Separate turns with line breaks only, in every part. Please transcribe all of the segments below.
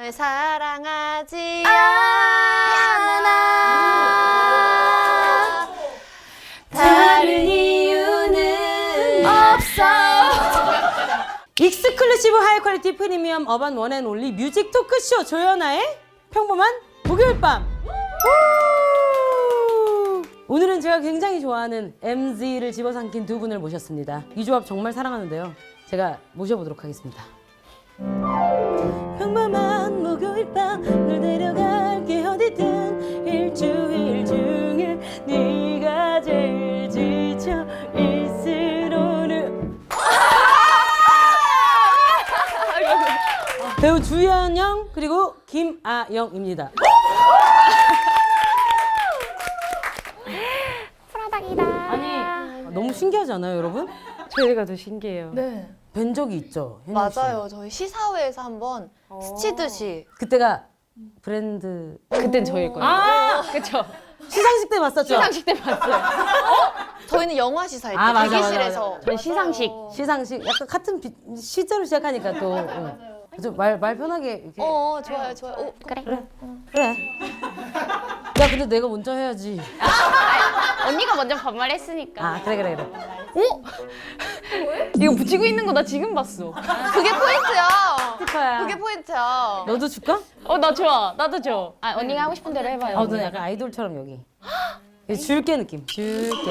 널 사랑하지 않아 다른 이유는 없어.
익스클루시브 하이 퀄리티 프리미엄 어반 원앤올리 뮤직 토크쇼 조연아의 평범한 목요일 밤. 오늘은 제가 굉장히 좋아하는 MZ를 집어삼킨 두 분을 모셨습니다. 이 조합 정말 사랑하는데요. 제가 모셔보도록 하겠습니다. 평범한 목요일 밤 널 데려갈게 어디든 일주일 중에 네가 제일 지쳐 있을 오늘. 배우 주연영 그리고 김아영입니다.
프라닭이다.
아니 너무 신기하지 않아요, 여러분?
저희가 더 신기해요.
네
뵌 적이 있죠, 혜영 씨?
맞아요. 저희 시사회에서 한번 스치듯이
그때가 브랜드
그땐 저일 거예요. 그쵸?
시상식 때 봤었죠?
시상식 때 봤어요.
저희는 영화 시사회 때
아, 맞아,
대기실에서
맞아,
전 시상식.
시상식 약간 같은 시자로 시작하니까 또 좀 말 편하게 이렇게
좋아요 좋아요. 오,
그래.
그래. 야 근데 내가 먼저 해야지.
언니가 먼저 반말했으니까.
아 그래.
이거 붙이고 있는 거 나 지금 봤어.
그게 포인트야.
스티커야.
그게 포인트야.
너도 줄까?
나 좋아. 나도 줘. 언니가 하고 싶은 대로 해봐요.
너 약간 아이돌처럼 여기. 줄게 느낌. 줄게.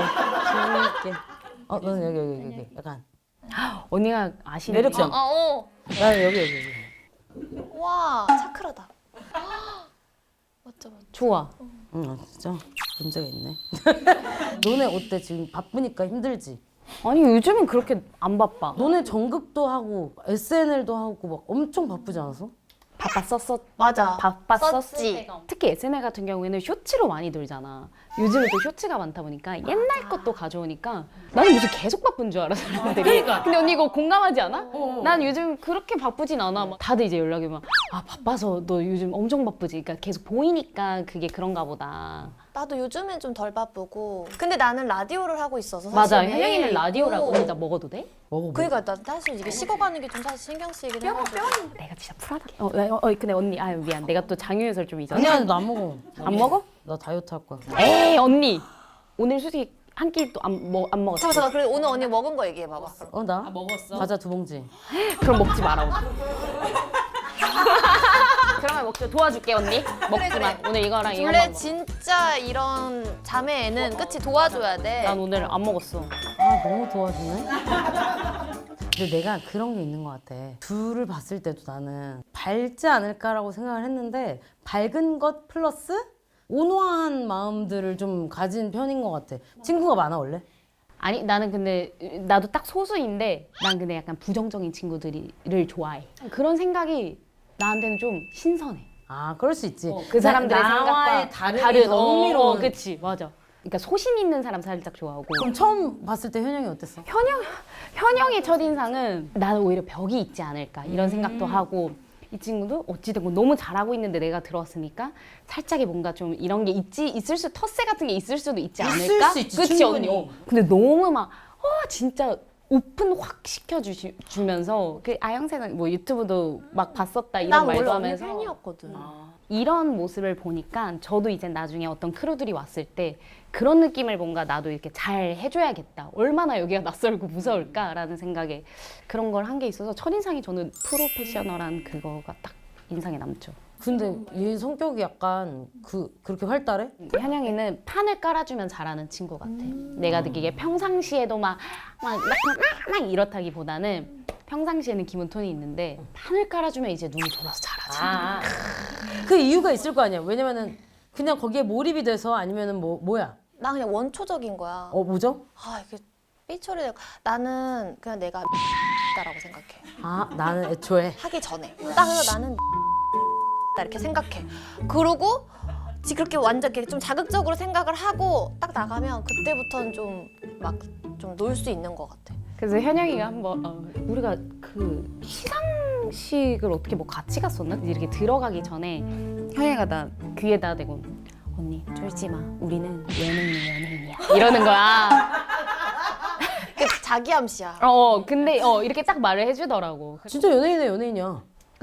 너는 여기. 약간.
언니가 아시는
매력점. 나는 여기.
와 차크라다. 멋져.
좋아.
진짜 문제가 있네. 너네 어때? 지금 바쁘니까 힘들지?
아니 요즘은 그렇게 안 바빠.
너네 전극도 하고 SNL도 하고 막 엄청 바쁘지 않았어?
맞아.
바빴었지. 특히 SNL 같은 경우에는 쇼츠로 많이 돌잖아. 요즘은 또 쇼츠가 많다 보니까 옛날 것도 가져오니까 나는 무슨 계속 바쁜 줄 알아 사람들이.
그러니까.
근데 언니 이거 공감하지 않아? 난 요즘 그렇게 바쁘진 않아. 막 다들 이제 연락이 막 바빠서 너 요즘 엄청 바쁘지. 그러니까 계속 보이니까 그게 그런가 보다.
나도 요즘엔 좀 덜 바쁘고. 근데 나는 라디오를 하고 있어서
맞아.
사실
현영이는
매일
라디오라고.
있고.
언니 나 먹어도 돼?
먹어봐.
그러니까 나 사실 이게 식어가는 게 좀 사실 신경 쓰이긴 해.
내가 진짜 프라다. 근데 언니 미안. 내가 또 장유유설 좀 잊었어.
아니야 나 안 먹어.
안 먹어?
나 다이어트 할 거야.
에이 언니. 오늘 솔직히 한 끼도 안 먹었어.
잠깐 그래 오늘 언니 먹은 거 얘기해봐봐.
나?
먹었어.
과자 2봉지.
그럼 먹지 마라 오늘. 그러면 먹자. 도와줄게 언니. 먹지
그래.
마. 오늘 이거랑 이거만
원래
먹어.
진짜 이런 자매애는 끝이 도와줘야 돼.
난 오늘 안 먹었어.
너무 도와주네. 근데 내가 그런 게 있는 것 같아. 둘을 봤을 때도 나는 밝지 않을까라고 생각을 했는데 밝은 것 플러스 온화한 마음들을 좀 가진 편인 것 같아. 친구가 많아 원래?
아니 나는 근데 나도 딱 소수인데 난 근데 약간 부정적인 친구들을 좋아해. 그런 생각이 나한테는 좀 신선해.
그럴 수 있지.
그 사람들의
나와의
생각과
다른 더 흥미로운.
그치 맞아. 그러니까 소신 있는 사람 살짝 좋아하고.
그럼 처음 봤을 때 현영이 어땠어?
현영의 첫인상은 나는 오히려 벽이 있지 않을까 이런 생각도 하고 이 친구도 어찌됐건 너무 잘하고 있는데 내가 들어왔으니까 살짝의 뭔가 좀 이런 게 있을 수 텃세 같은 게 있을 수도 있지 않을까?
수 있지,
그치
충분히.
언니? 근데 너무 막 진짜 오픈 확 시켜주면서 그 아영새는 뭐 유튜브도 막 봤었다 이런
난
말도
원래 언니
하면서
팬이었거든.
이런 모습을 보니까 저도 이제 나중에 어떤 크루들이 왔을 때 그런 느낌을 뭔가 나도 이렇게 잘 해줘야겠다. 얼마나 여기가 낯설고 무서울까라는 생각에 그런 걸 한 게 있어서 첫인상이 저는 프로페셔널한 그거가 딱 인상에 남죠.
근데 얘 성격이 약간 그렇게 활달해?
현영이는 판을 깔아주면 잘하는 친구 같아. 내가 느끼기에 평상시에도 막 이렇다기보다는 평상시에는 기본 톤이 있는데 판을 깔아주면 이제 눈이 돌아서 잘하지.
그 이유가 있을 거 아니야. 왜냐면은 그냥 거기에 몰입이 돼서 아니면은 뭐야?
나 그냥 원초적인 거야.
뭐죠?
이게 삐처리 나는 그냥 내가 다라고 생각해.
나는 애초에
하기 전에. 딱 그래서 나는 이렇게 생각해. 그러고 그렇게 완전 이렇게 좀 자극적으로 생각을 하고 딱 나가면 그때부터는 좀 막 좀 놀 수 있는 것 같아.
그래서 현영이가 한번 우리가 그 시상식을 어떻게 뭐 같이 갔었나? 이렇게 들어가기 전에 현영이가 나 귀에다 대고 언니 쫄지 마. 우리는 연예인이야. 이러는 거야.
그 자기 암시야.
근데 이렇게 딱 말을 해주더라고.
진짜 연예인이야.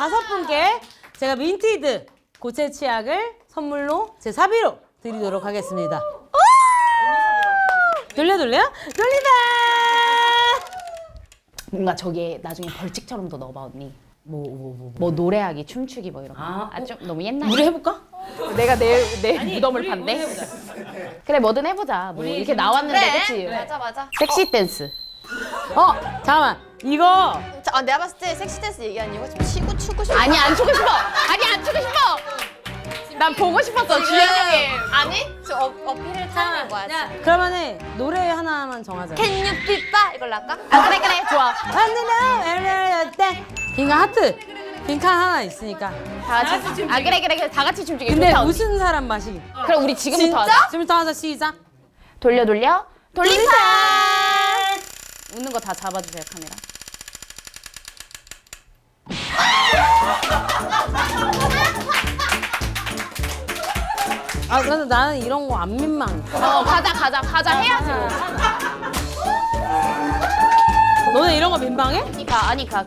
5분께 제가 민티드 고체 치약을 선물로 제 사비로 드리도록 하겠습니다. 돌린다.
뭔가 저기에 나중에 벌칙처럼 더 넣어봐 언니. 뭐 노래하기, 춤추기 뭐 이런 거. 좀 너무 옛날.
우리 해볼까?
내가 내 무덤을 판대. 그래 뭐든 해보자. 뭐 이렇게 나왔는데 그치?
맞아.
섹시 댄스.
잠깐만 이거
내가 봤을 때 섹시 댄스 얘기한 이유가 좀 치고 추고 싶어.
아니 안 추고 싶어. 아니 안 추고 싶어. 난 보고 싶었어 주연형이.
아니? 저 어필을 타는 거야.
그러면은 노래 하나만 정하자.
Can you be ba? 이걸로 할까?
그래 좋아.
빈칸 하트. 빈칸 하나 있으니까.
다 같이 그래 다 같이 춤추기.
근데
좋다, 언니.
무슨 사람 맛이?
그럼 우리 지금부터
진짜?
하자.
지금부터 하자. 시작.
돌림판. 웃는 거 다 잡아주세요 카메라.
근데 나는 이런 거 안 민망해.
가자 해야지 뭐.
너네 이런 거 민망해?
아니 가.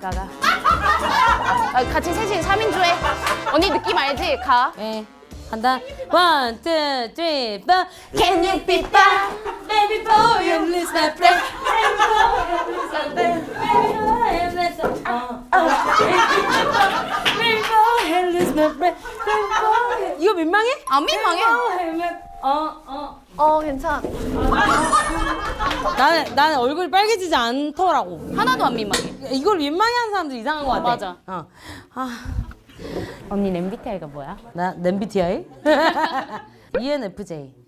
같이 셋이 3인조 해. 언니 느낌 알지? 가.
네. 간다. 1, 2, 3, 4.
Can you be back?
Baby boy, you lose my breath. 이거 민망해?
안 민망해.
괜찮아.
나는 얼굴이 빨개지지 않더라고.
하나도 안 민망해.
이걸 민망해하는 사람들 이상한 거 같아.
맞아.
아,
언니 MBTI가 뭐야?
나 MBTI? ENFJ.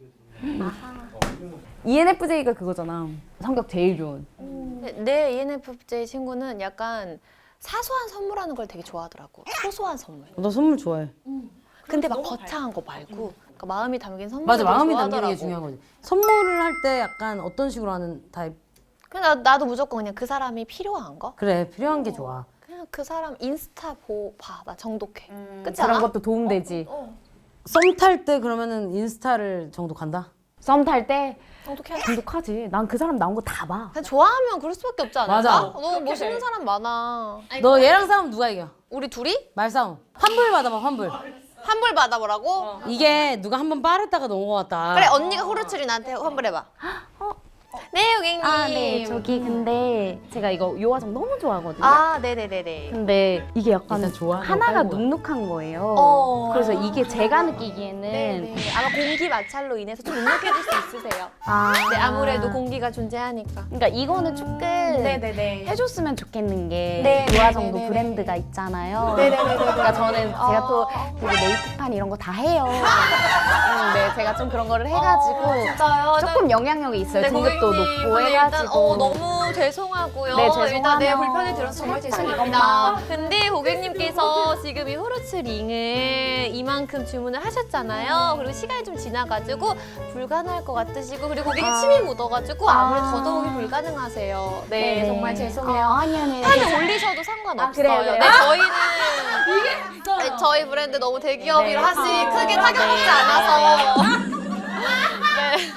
ENFJ가 그거잖아. 성격 제일 좋은.
내 ENFJ 친구는 약간 사소한 선물하는 걸 되게 좋아하더라고. 소소한 선물.
너 선물 좋아해.
근데 막 거창한 거 말고 그러니까 마음이 담긴 선물.
맞아, 마음이 담기는 게 중요한 거지. 선물을 할 때 약간 어떤 식으로 하는 타입?
그냥 나도 무조건 그냥 그 사람이 필요한 거.
그래, 필요한 게 좋아.
그냥 그 사람 인스타 봐. 나 정독해. 그치
그런
않아?
것도 도움되지.
썸 탈 때 그러면은 인스타를 정도 간다?
썸 탈 때
정독해.
중독하지. 난 그 사람 나온 거 다 봐.
그냥 좋아하면 그럴 수밖에 없지 않을까?
맞아.
너무 멋있는 사람 많아.
너 얘랑 싸우면 누가 이겨?
우리 둘이
말싸움. 환불 받아봐, 환불.
환불 받아보라고?
이게 누가 한 번 빠르다가 넘어갔다.
그래 언니가 호루츠리 나한테 환불해봐. 네 고객님.
네. 저기 근데 제가 이거 요화정 너무 좋아하거든요.
네네네네.
근데 이게 약간
일단 좋아하는
하나가
거 깔고
눅눅한 거예요.
그래서
그래서 이게 제가 느끼기에는
네네. 아마 공기 마찰로 인해서 좀 눅눅해질 수 있으세요. 네 아무래도 공기가 존재하니까.
그러니까 이거는 조금
네네네.
해줬으면 좋겠는 게
네,
요화정도
네, 네,
브랜드가 있잖아요.
네네네네.
그러니까 저는 제가 또 되게 메이크판 이런 거 다 해요. 네, 제가 좀 그런 거를 해가지고
진짜요?
조금 영향력이 있어요.
네,
등급도
고객님.
높고
근데
해가지고.
일단 너무 죄송하고요.
네,
일단
죄송하면
내 불편을 들어서 정말 죄송합니다. 근데 고객님께서 지금 이 호르츠 링을 이만큼 주문을 하셨잖아요. 그리고 시간이 좀 지나가지고 불가능할 것 같으시고 그리고 고객님 침이 묻어가지고 아무래도 더더욱이 불가능하세요. 네, 정말 죄송해요.
아니요.
판에 올리셔도 상관없어요.
그래요, 그래요.
네, 저희는 네, 저희 브랜드 너무 대기업이라 사실 크게 타격받지 않아서 네.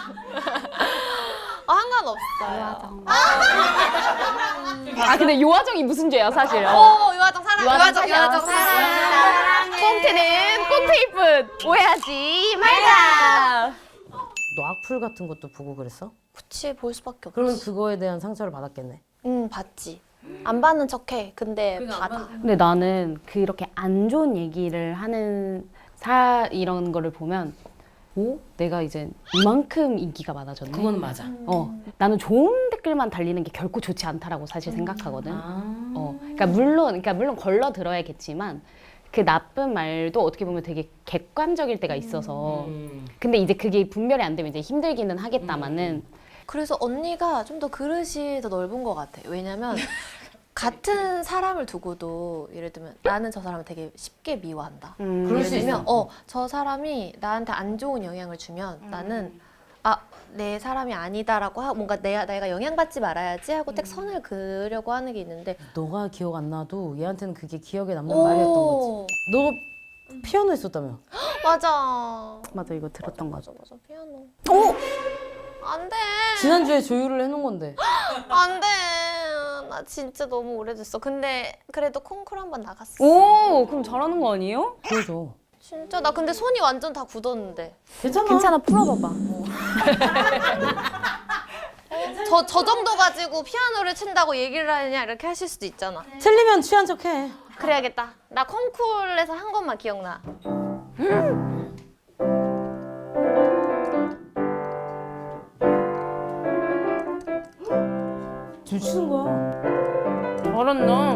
상관없어요.
근데 요화정이 무슨 죄야 사실.
요화정 사랑.
요화정
사랑.
꽁트는 꽁트이뿐 오해하지 말자.
너 악플 같은 것도 보고 그랬어?
그치 볼 수밖에 없지.
그러면 그거에 대한 상처를 받았겠네.
받지. 안 받는 척해. 근데 받아.
근데 나는 그렇게 안 좋은 얘기를 하는 이런 거를 보면 내가 이제 이만큼 인기가 많아졌네.
그건 맞아.
나는 좋은 댓글만 달리는 게 결코 좋지 않다라고 사실 생각하거든. 그러니까 물론 걸러 들어야겠지만 그 나쁜 말도 어떻게 보면 되게 객관적일 때가 있어서. 근데 이제 그게 분별이 안 되면 이제 힘들기는 하겠다마는.
그래서 언니가 좀 더 그릇이 더 넓은 것 같아. 왜냐면 같은 사람을 두고도 예를 들면 나는 저 사람을 되게 쉽게 미워한다.
그럴 수
예를 들면
있어.
저 사람이 나한테 안 좋은 영향을 주면 나는 내 사람이 아니다라고 하고 뭔가 내가 영향받지 말아야지 하고 딱 선을 그으려고 하는 게 있는데
너가 기억 안 나도 얘한테는 그게 기억에 남는 말이었던 거지. 너 피아노 했었다며?
맞아
이거 들었던 거죠.
맞아 피아노. 안돼
지난주에 조율을 해놓은 건데.
안돼 나 진짜 너무 오래됐어. 근데 그래도 콩쿠르 한번 나갔어.
오, 그럼 잘하는 거 아니에요?
보여줘.
진짜 나 근데 손이 완전 다 굳었는데.
괜찮아.
괜찮아, 풀어봐봐.
저 정도 가지고 피아노를 친다고 얘기를 하느냐 이렇게 하실 수도 있잖아.
틀리면 취한 척해.
그래야겠다. 나 콩쿠르에서 한 것만 기억나.
줄 치는 거야.
잘한다.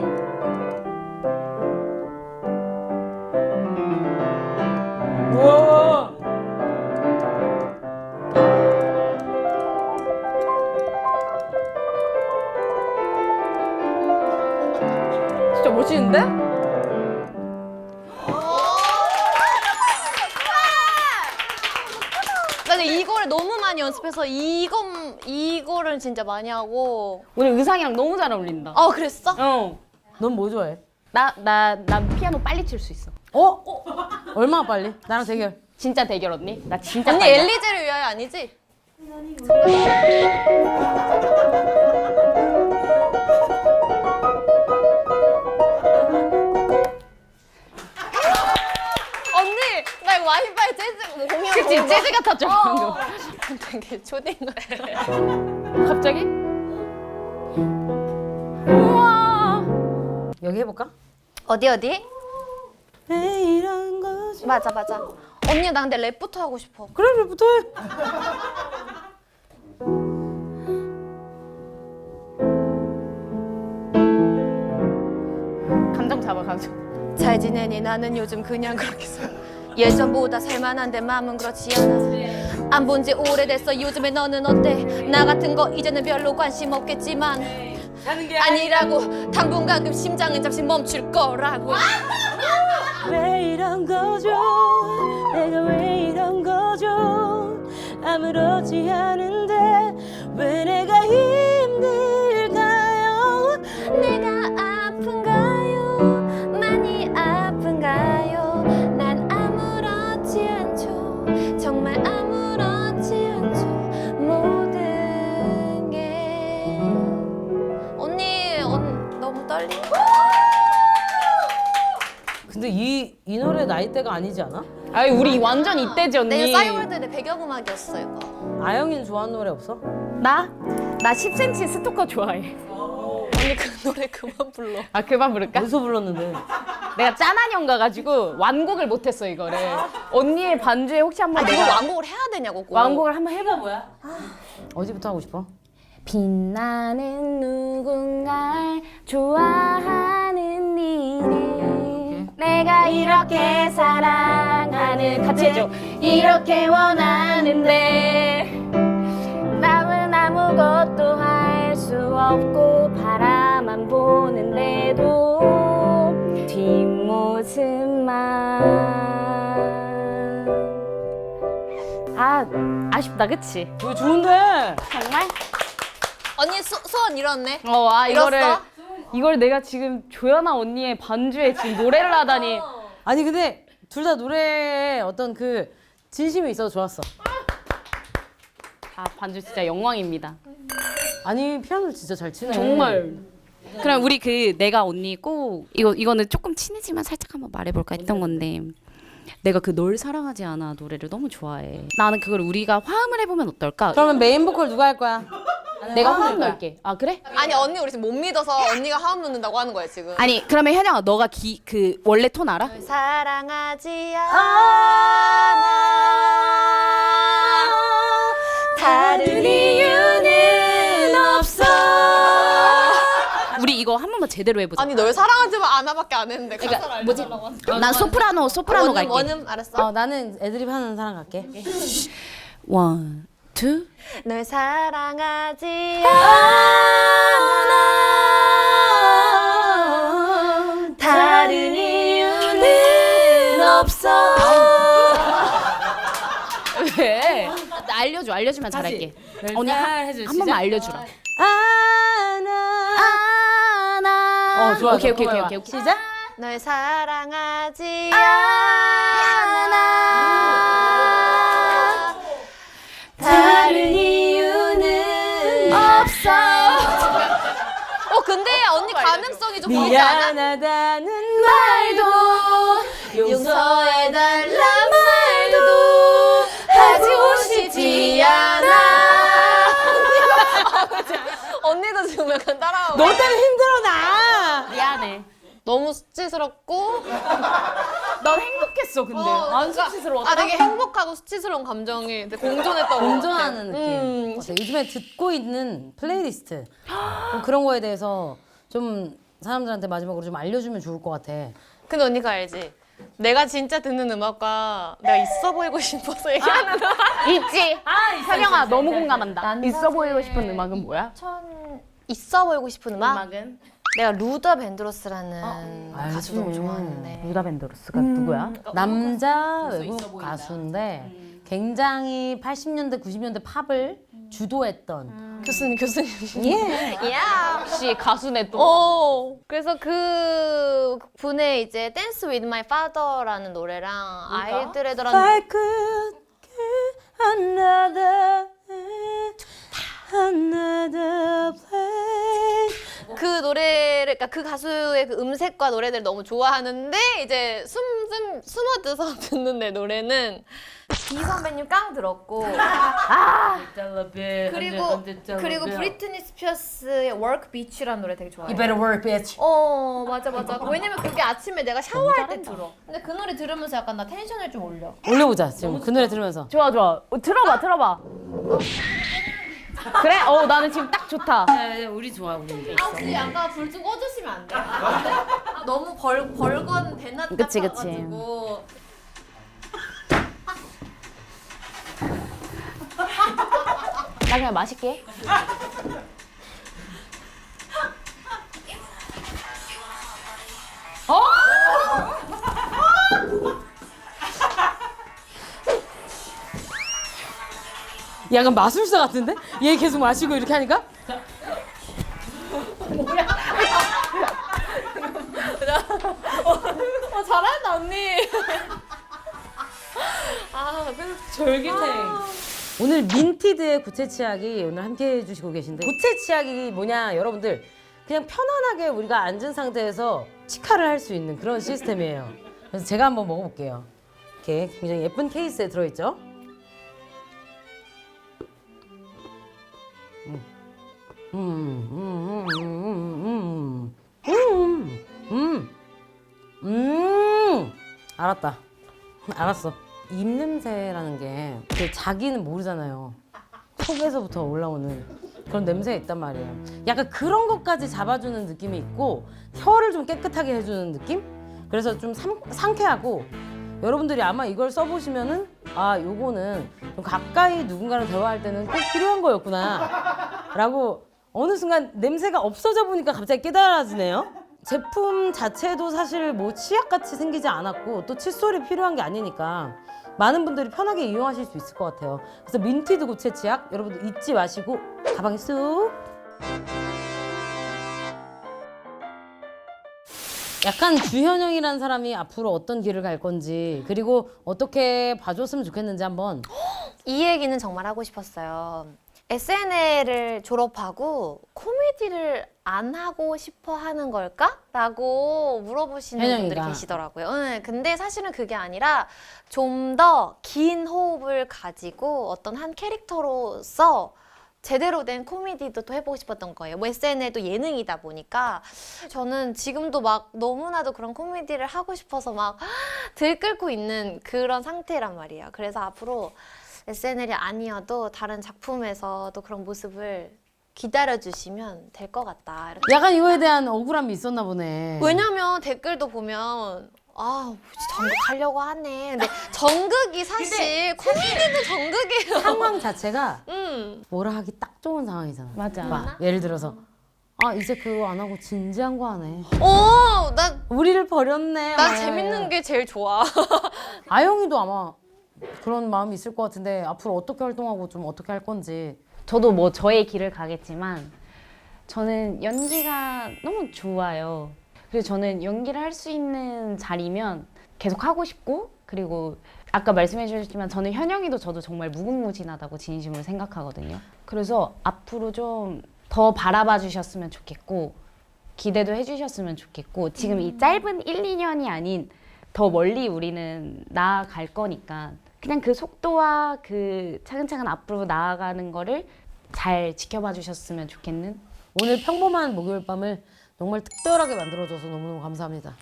우와.
진짜 멋있는데?
나는 이거를 너무 많이 연습해서 이거를 진짜 많이 하고.
오늘 의상이랑 너무 잘 어울린다.
그랬어?
어.
넌 뭐 좋아해?
난 피아노 빨리 칠 수 있어.
어? 얼마나 빨리? 나랑 대결.
진짜 대결 언니? 나 진짜
언니
빨리.
엘리제를 위하여 아니지? 언니 나 이거 와이파이 재즈 공연
그치?
보는 거.
재즈 같았죠 방금.
되게 초딩 같아.
갑자기? 우와.
여기 해볼까?
어디?
왜 이런 거지?
맞아. 언니 나 근데 랩부터 하고 싶어.
그래, 왜부터 해?
감정 잡아가지고.
잘 지내니? 나는 요즘 그냥 그렇게 살아. 예전보다 살만한데 마음은 그렇지 않아. 안 본 지 오래됐어. 요즘에 너는 어때? 나 같은 거 이제는 별로 관심 없겠지만 아니라고. 당분간 그 심장은 잠시 멈출 거라고.
왜 이런 거죠? 내가 왜 이런 거죠? 아무렇지 않은데 왜 내가 힘들까요?
내가 아픈가요? 많이 아픈가요? 난 아무렇지 않죠. 정말 아무렇지 않죠. 모든 게 언니 너무 떨리네.
근데 이 노래 나이대가 아니지 않아?
아이 우리 완전 이때지 언니.
내가 싸이월드 내 배경음악이었어 이거.
아영이는 좋아하는 노래 없어?
나 10cm 스토커 좋아해.
언니 그 노래 그만 불러.
아 그만 부를까?
어디서 불렀는데?
내가 짠한 형 가가지고 완곡을 못했어 이거를. 언니의 반주에 혹시 한번
이걸
내가
완곡을 해야 되냐고. 꼭.
완곡을 한번 해봐 뭐야?
어디부터 하고 싶어?
빛나는 누군가를 좋아하는 일이 내가 이렇게 사랑하는 같이 해줘. 이렇게 원하는데 남은 아무것도 할 수 없고 바라만 보는데도 뒷모습만 아쉽다 그치?
이거 좋은데?
정말?
언니 소원 이뤘네.
이거를 내가 지금 조연아 언니의 반주에 지금 노래를 하다니.
아니 근데 둘 다 노래에 어떤 그 진심이 있어서 좋았어.
아 반주 진짜 영광입니다.
아니 피아노를 진짜 잘 치네.
정말. 그럼 우리 내가 언니 꼭 이거는 조금 친해지만 살짝 한번 말해볼까 했던 건데 내가 널 사랑하지 않아 노래를 너무 좋아해. 나는 그걸 우리가 화음을 해보면 어떨까?
그러면 메인 보컬 누가 할 거야?
내가 화음 넣을게. 아 그래?
아니 언니 우리 지금 못 믿어서 언니가 화음 넣는다고 하는 거야 지금.
아니 그러면 현영아 너가 그 원래 톤 알아?
사랑하지 않아 다른 이유는 없어.
우리 이거 한 번만 제대로 해보자.
아니 널 사랑하지만 않아밖에 안 했는데
그러니까 뭐지? 난 소프라노 갈게.
원음 알았어.
나는 애드립 하는 사람 갈게.
원, 투.
널 사랑하지
않아
다른 이유는 없어.
왜? 나 알려주면 잘할게. 언니 한 번만 알려주라.
어 좋아.
오케이.
시작.
널 사랑하지 않아 다른 이유는 없어. 근데 좀 보이지 않아?
미안하다는
말도 용서해달란 말도 하고 싶지 않아. 언니도 지금 약간 따라하고.
너 때문에 힘들어 나.
미안해.
너무 수치스럽고
난 행복했어 근데. 안 수치스러웠다.
아 되게 행복하고 수치스러운 감정이 되게 공존했던 것 같아.
공존하는 느낌. 어때? 요즘에 듣고 있는 플레이리스트 좀 그런 거에 대해서 좀 사람들한테 마지막으로 좀 알려주면 좋을 것 같아.
근데 언니가 알지? 내가 진짜 듣는 음악과 내가 있어 보이고 싶어서 얘기하는 음악
있지. 현영아 너무 공감한다. 있어 보이고 싶은 음악은 뭐야?
있어 보이고 싶은 음악?
음악은
내가 루더 밴드로스라는 가수 너무 좋아하는데
루다 벤더로스가 누구야?
남자 외국 가수인데 굉장히 80년대 90년대 팝을 주도했던
교수님
예.
야
역시 가수네 또.
그래서 그 분의 이제 Dance with My Father라는 노래랑 아이들애들한
I could get another place.
그 노래를 그러니까 그 가수의 그 음색과 노래들을 너무 좋아하는데 이제 숨어들어서 듣는 내 노래는 비 선배님 깡 들었고 그리고 브리트니 스피어스의 Work Beach라는 노래 되게 좋아해요.
You better work, bitch.
맞아. 왜냐면 그게 아침에 내가 샤워할 때 들어. 근데 그 노래 들으면서 약간 나 텐션을 좀 올려.
올려보자 지금 그 노래 들으면서.
좋아. 들어봐. 그래? 나는 지금 딱 좋다.
우리 좋아 우리.
혹시 아까 불 좀 꺼주시면 안 돼? 너무 벌건 대낮
그치.
같아가지고.
나 그냥 마실게.
약간 마술사 같은데? 얘 계속 마시고 이렇게 하니까?
잘한다 언니.
졸깃해. 오늘 민티드의 구체 치약이 오늘 함께 해주시고 계신데 구체 치약이 뭐냐 여러분들 그냥 편안하게 우리가 앉은 상태에서 치카를 할 수 있는 그런 시스템이에요. 그래서 제가 한번 먹어볼게요. 이렇게 굉장히 예쁜 케이스에 들어있죠. 알았다. 알았어. 입 냄새라는 게 자기는 모르잖아요. 속에서부터 올라오는 그런 냄새가 있단 말이에요. 약간 그런 것까지 잡아주는 느낌이 있고 혀를 좀 깨끗하게 해주는 느낌? 그래서 좀 상쾌하고 여러분들이 아마 이걸 써보시면은 아 요거는 좀 가까이 누군가랑 대화할 때는 꼭 필요한 거였구나 라고 어느 순간 냄새가 없어져 보니까 갑자기 깨달아지네요. 제품 자체도 사실 뭐 치약같이 생기지 않았고 또 칫솔이 필요한 게 아니니까 많은 분들이 편하게 이용하실 수 있을 것 같아요. 그래서 민티드 구체 치약 여러분들 잊지 마시고 가방에 쑥. 약간 주현영이라는 사람이 앞으로 어떤 길을 갈 건지 그리고 어떻게 봐줬으면 좋겠는지 한번.
이 얘기는 정말 하고 싶었어요. SNL을 졸업하고 코미디를 안 하고 싶어 하는 걸까? 라고 물어보시는 분들이
현영이가.
계시더라고요. 근데 사실은 그게 아니라 좀 더 긴 호흡을 가지고 어떤 한 캐릭터로서 제대로 된 코미디도 또 해보고 싶었던 거예요. 뭐 SNL도 예능이다 보니까 저는 지금도 막 너무나도 그런 코미디를 하고 싶어서 막 들끓고 있는 그런 상태란 말이에요. 그래서 앞으로 SNL이 아니어도 다른 작품에서도 그런 모습을 기다려주시면 될 것 같다. 이렇게.
약간 이거에 대한 억울함이 있었나 보네.
왜냐면 댓글도 보면 정극하려고 하네. 근데 정극이 사실 코미디도 정극이에요.
상황 자체가
음.
뭐라 하기 딱 좋은 상황이잖아.
맞아.
막 예를 들어서 이제 그거 안 하고 진지한 거 하네.
난
우리를 버렸네.
재밌는 게 제일 좋아.
아영이도 아마 그런 마음이 있을 것 같은데 앞으로 어떻게 활동하고 좀 어떻게 할 건지.
저도 뭐 저의 길을 가겠지만 저는 연기가 너무 좋아요. 그래서 저는 연기를 할 수 있는 자리면 계속 하고 싶고 그리고 아까 말씀해 주셨지만 저는 현영이도 저도 정말 무궁무진하다고 진심으로 생각하거든요. 그래서 앞으로 좀 더 바라봐 주셨으면 좋겠고 기대도 해주셨으면 좋겠고 지금 이 짧은 1, 2년이 아닌 더 멀리 우리는 나아갈 거니까 그냥 그 속도와 그 차근차근 앞으로 나아가는 거를 잘 지켜봐 주셨으면 좋겠는.
오늘 평범한 목요일 밤을 정말 특별하게 만들어줘서 너무너무 감사합니다.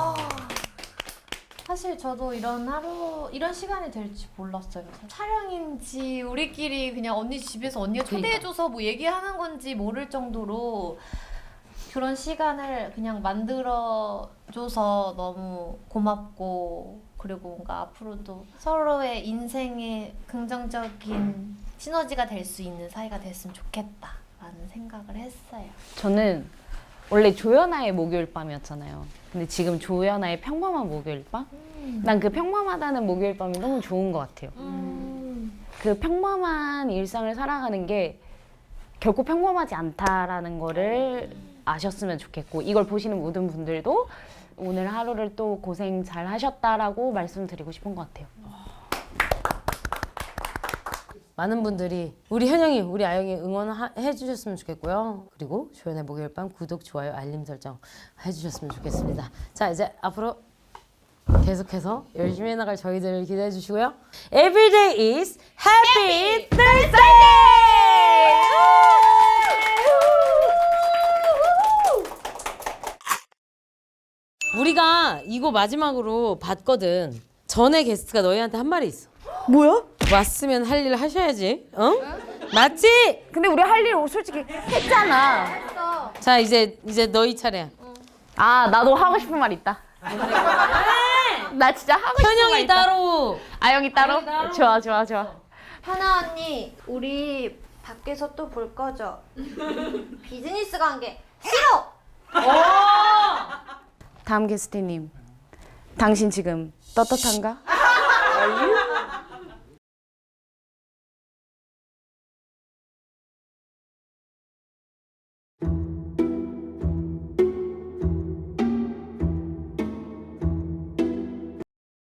사실 저도 이런 시간이 될지 몰랐어요. 촬영인지 우리끼리 그냥 언니 집에서 언니가 초대해줘서 뭐 얘기하는 건지 모를 정도로 그런 시간을 그냥 만들어줘서 너무 고맙고, 그리고 뭔가 앞으로도 서로의 인생에 긍정적인 시너지가 될 수 있는 사이가 됐으면 좋겠다라는 생각을 했어요.
저는 원래 조연아의 목요일 밤이었잖아요. 근데 지금 조연아의 평범한 목요일 밤? 난 그 평범하다는 목요일 밤이 너무 좋은 것 같아요. 그 평범한 일상을 살아가는 게 결코 평범하지 않다라는 거를 아셨으면 좋겠고, 이걸 보시는 모든 분들도 오늘 하루를 또 고생 잘 하셨다라고 말씀드리고 싶은 것 같아요.
많은 분들이 우리 현영이, 우리 아영이 응원해 주셨으면 좋겠고요. 그리고 조연의 목요일 밤 구독, 좋아요, 알림 설정 해주셨으면 좋겠습니다. 자, 이제 앞으로 계속해서 열심히 해나갈 저희들을 기대해 주시고요. Everyday is Happy Thursday! 우리가 이거 마지막으로 봤거든. 전에 게스트가 너희한테 한 말이 있어.
뭐야?
왔으면 할 일 하셔야지. 어? 맞지?
근데 우리 할 일 솔직히 했잖아.
자, 이제 너희 차례야.
아, 나도 하고 싶은 말 있다. 나 진짜 하고 싶은 말
현영이
있다.
따로.
아영이 따로? 좋아.
하나 언니, 우리 밖에서 또 볼 거죠? 비즈니스 관계 싫어!
다음 게스트님, 당신 지금 떳떳한가?